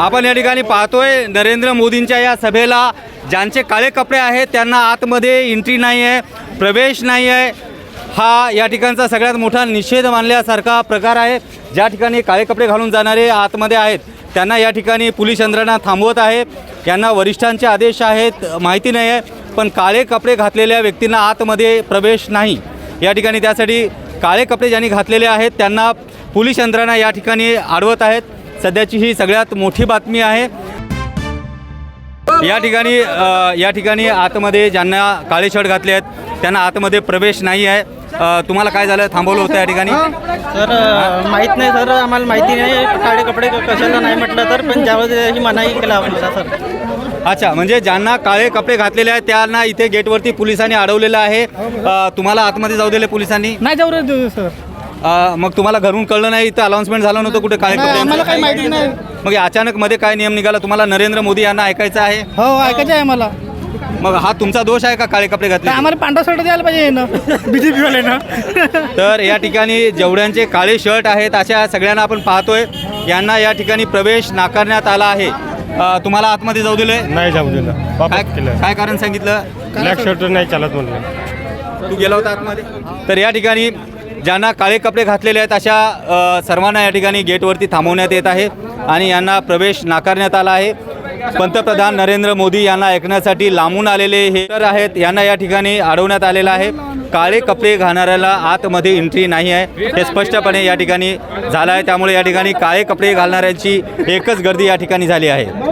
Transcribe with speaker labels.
Speaker 1: आपण या ठिकाणी पाहतोय नरेंद्र मोदींच्या या सभेला ज्यांचे काळे कपडे आहेत त्यांना आतमध्ये एंट्री नाही आहे, प्रवेश नाही आहे। हा या ठिकाणचा सगळ्यात मोठा निषेध मानल्यासारखा प्रकार आहे। ज्या ठिकाणी काळे कपडे घालून जाणारे आतमध्ये आहेत त्यांना या ठिकाणी पोलीस यंत्रणा थांबवत आहे। यांना वरिष्ठांचे आदेश आहेत माहिती नाही आहे, पण काळे कपडे घातलेल्या व्यक्तींना आतमध्ये प्रवेश नाही। या ठिकाणी त्यासाठी काळे कपडे ज्यांनी घातलेले आहेत त्यांना पोलीस यंत्रणा या ठिकाणी अडवत आहेत। सध्याची ही सगळ्यात मोठी बातमी आहे। या ठिकाणी आतमध्ये ज्यांना काळे शर्ट घातले आहेत त्यांना आतमध्ये प्रवेश नाही आहे। तुम्हाला काय झालं, थांबवलं होतं या ठिकाणी?
Speaker 2: सर माहीत नाही सर, आम्हाला माहिती नाही काळे कपडे कशाला नाही म्हटलं तर, पण ज्यावेळी ही मनाई केला आपल्याला सर।
Speaker 1: अच्छा, म्हणजे ज्यांना काळे कपडे घातलेले आहेत त्यांना इथे गेटवरती पोलिसांनी अडवलेलं आहे। तुम्हाला आतमध्ये जाऊ दिले पोलिसांनी?
Speaker 2: नाही जाऊ रे सर।
Speaker 1: मग तुम्हाला घरून कळलं नाही, इथं अनाउन्समेंट झालं नव्हतं कुठे काळे कपडे?
Speaker 2: आम्हाला काही माहिती नाही।
Speaker 1: मग अचानक मध्ये काय नियम निघाला? तुम्हाला नरेंद्र मोदी यांना ऐकायचं आहे?
Speaker 2: हो ऐकायचं आहे मला।
Speaker 1: मग हा तुमचा दोष आहे का काळे कपडे घातले?
Speaker 2: आम्हाला पांढरा शर्ट द्यायला पाहिजे ना बीजेपी वाले ना।
Speaker 1: तर या ठिकाणी जेवढ्यांचे काळे शर्ट आहेत अशा सगळ्यांना आपण पाहतोय यांना या ठिकाणी प्रवेश नाकारण्यात आला आहे। तुम्हाला आतमध्ये जाऊ दिले?
Speaker 3: नाही जाऊ दिलं, वापस केलं।
Speaker 1: काय कारण सांगितलं?
Speaker 3: ब्लॅक शर्ट नाही चालत म्हणलं।
Speaker 1: तू गेला होता आतमध्ये? तर या ठिकाणी ज्यांना काळे कपडे घातलेले आहेत अशा सर्वांना या ठिकाणी गेटवरती थांबवण्यात येत आहे आणि यांना प्रवेश नाकारण्यात आला आहे। पंतप्रधान नरेंद्र मोदी यांना ऐकण्यासाठी लांबून आलेले हे तर आहेत, यांना या ठिकाणी अडवण्यात आलेलं आहे। काळे कपडे घालणाऱ्याला आतमध्ये एंट्री नाही आहे हे स्पष्टपणे या ठिकाणी झालं आहे। त्यामुळे या ठिकाणी काळे कपडे घालणाऱ्यांची एकच गर्दी या ठिकाणी झाली आहे।